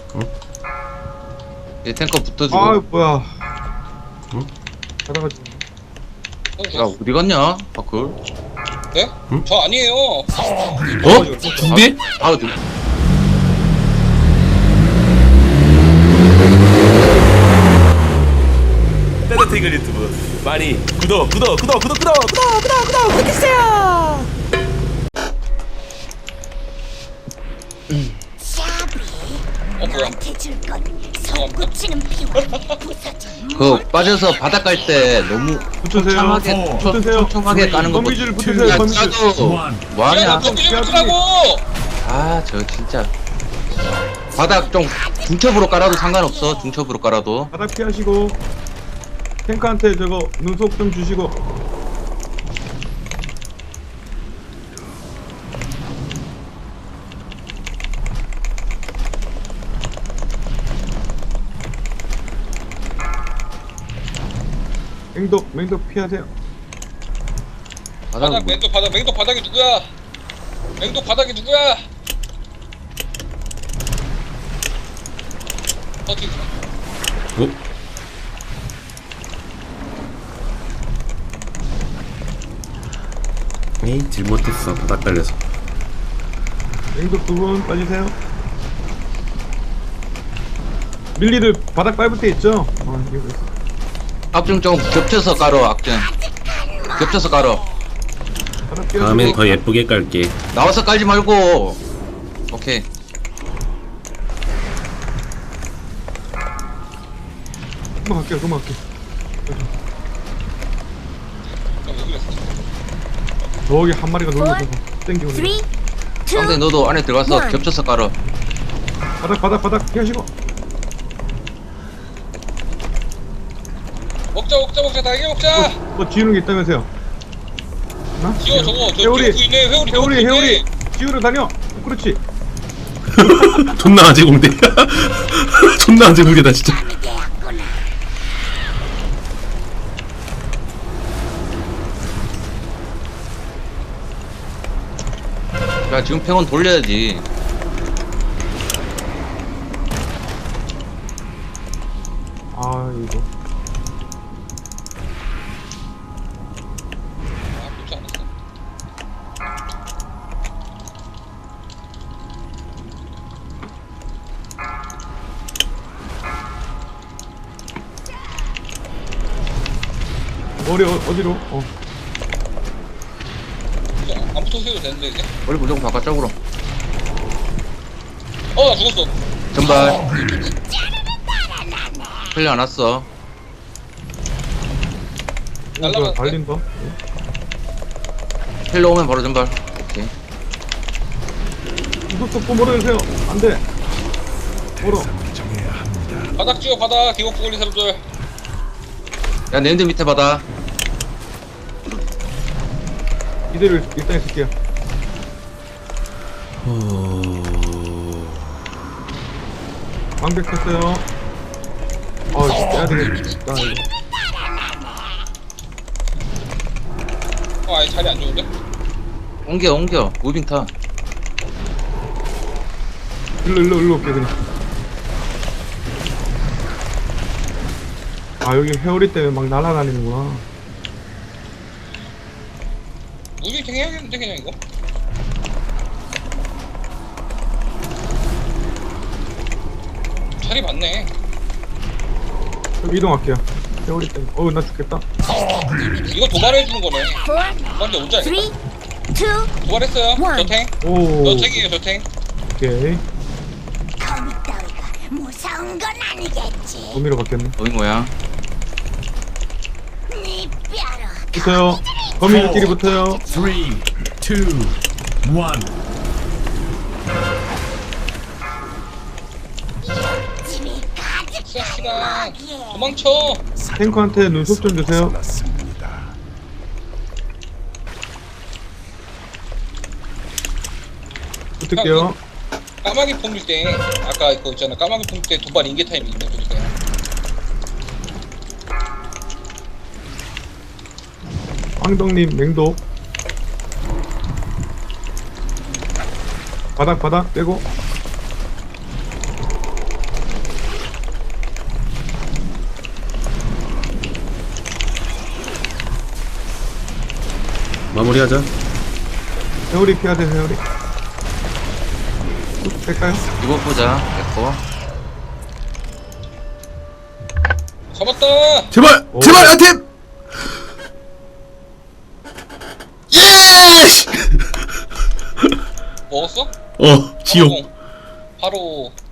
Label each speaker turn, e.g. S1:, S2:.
S1: 얘 탱커 붙어주고.
S2: 아 뭐야.
S3: 응?
S2: 가다가
S1: 야 어디 갔냐 바클?
S4: 네?
S3: 응?
S4: 저 아니에요.
S3: 어? 군대?
S1: 아 어디?
S3: 따뜻한 유튜브 많이 구독해주세요.
S4: 뭐야?
S5: 나한테 줄 건 손꼽치는 피와 부서진
S1: 그 빠져서 바닥 갈 때 너무
S2: 붙으세요.
S1: 청청하게
S2: 붙으세요.
S1: 청청하게 까는 거.
S2: 거미줄 붙으세요.
S1: 야
S2: 거미줄.
S1: 짜도
S4: 야,
S1: 뭐하냐?
S4: 좀 붙으라고.
S1: 아 저 진짜 바닥 좀 중첩으로 깔아도 상관없어. 중첩으로 깔아도.
S2: 바닥 피하시고 탱크한테 저거 눈속 좀 주시고. 맹독 피하세요.
S4: 바닥 맹독 바닥 맹독 바닥이 누구야? 맹독 바닥이 누구야? 어디?
S3: 어? 에이 잘못했어. 바닥 깔려서.
S2: 맹독 두 분 빠지세요. 밀리를 바닥 밟을 때 있죠? 이거 있어.
S1: 악중 좀 겹쳐서 깔어. 악중 겹쳐서 깔어.
S2: 바닥 피하시고.
S3: 다음엔 더 예쁘게 깔게.
S1: 나와서 깔지 말고. 오케이.
S2: 그만 갈게요. 그만 갈게요.
S4: 여기 있어.
S2: 저기 한 마리가 놀고 땡기고.
S5: 3, 2,
S1: 상대 너도 안에 들어가서
S5: 원.
S1: 겹쳐서 깔어.
S2: 바닥 피하시고.
S4: 먹자 달걀 먹자.
S2: 뭐 지우는 게 있다면서요? 하나?
S4: 지워 저거 저
S2: 회오리.
S4: 뒤에 있네 회오리 저거 뒤에
S2: 회오리
S4: 있네.
S2: 지우러 다녀. 그렇지.
S3: 존나 아재 공대. 존나 아재 공대다 진짜.
S5: 되었구나.
S1: 야 지금 팽원 돌려야지.
S2: 아 이거.
S4: 아 붙지 않았어.
S2: 머리 어디로?
S4: 안 붙어도 되는데 이제.
S1: 머리 무조건 바깥쪽으로.
S4: 나 죽었어.
S1: 전발. 흘려 안 왔어.
S4: 날라갔네.
S2: 달린다.
S1: 힐러 오면 바로 전발. 오케이.
S2: 이거 또 멀어주세요. 안 돼. 멀어.
S4: 바닥 지워 바닥 기곡 걸린 사람들.
S1: 야 내님들 밑에 받아.
S2: 이대로 일단 있을게요. 방백 쳤어요. 빼야 되겠다. 이거.
S4: 아예 자리 안 좋은데?
S1: 옮겨 무빙 타.
S2: 일로 올게 그냥. 여기 회오리 때문에 막 날아다니는구나.
S4: 무빙탱 해야겠는데 그냥 이거? 자리 맞네.
S2: 좀 이동할게요. 회오리 때문에. 나 죽겠다.
S4: 이거 도발해주는 거네.
S5: 4,
S4: 먼저 오자.
S5: 3, 2,
S4: 도발했어요.
S5: 원.
S4: 저탱.
S2: 오.
S4: 저탱이에요 저탱.
S2: 오케이.
S5: 거미 따위가 무서운 건 아니겠지.
S2: 도미로 바뀌었네.
S1: 어이 뭐야?
S5: 네 뼈로
S2: 붙어요. 거미들끼리 붙어요.
S6: 3, 2, 1.
S5: 집이 가득
S4: 싹시다.
S5: 거기에.
S4: 도망쳐.
S2: 탱커한테 눈썹 좀 주세요. 붙을게요.
S4: 까마귀 폼일 때 아까 그거 있잖아. 까마귀 폼일 때 도발 인계 타임이 있네. 그러니까.
S2: 황덕님 맹독. 바닥 빼고.
S3: 마무리하자.
S2: 회오리 피해야 돼, 회오리. 뺄까요?
S1: 이거 보자. 됐고.
S4: 잡았다.
S3: 제발!
S2: 오.
S3: 제발, 아템! 예!
S4: 먹었어?
S3: 지옥.
S4: 바로